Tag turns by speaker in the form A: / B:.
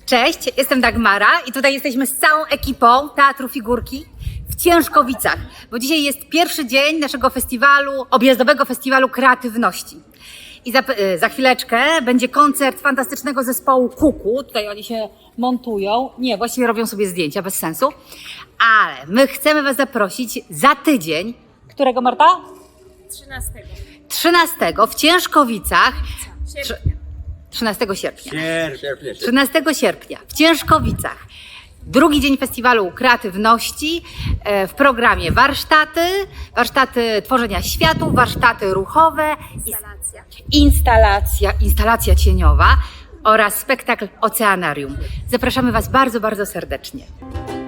A: Cześć, jestem Dagmara i tutaj jesteśmy z całą ekipą Teatru Figurki w Ciężkowicach, bo dzisiaj jest pierwszy dzień naszego festiwalu, objazdowego festiwalu kreatywności. I za chwileczkę będzie koncert fantastycznego zespołu Kuku. Tutaj oni się montują. Nie, właściwie robią sobie zdjęcia, bez sensu. Ale my chcemy Was zaprosić za tydzień. Którego, Marta?
B: 13.
A: 13 w Ciężkowicach.
B: Sierpnia.
A: 13 sierpnia.
C: 13
A: 13 sierpnia w Ciężkowicach. Drugi dzień festiwalu kreatywności, w programie warsztaty tworzenia światów, warsztaty ruchowe, instalacja cieniowa oraz spektakl Oceanarium. Zapraszamy Was bardzo, bardzo serdecznie.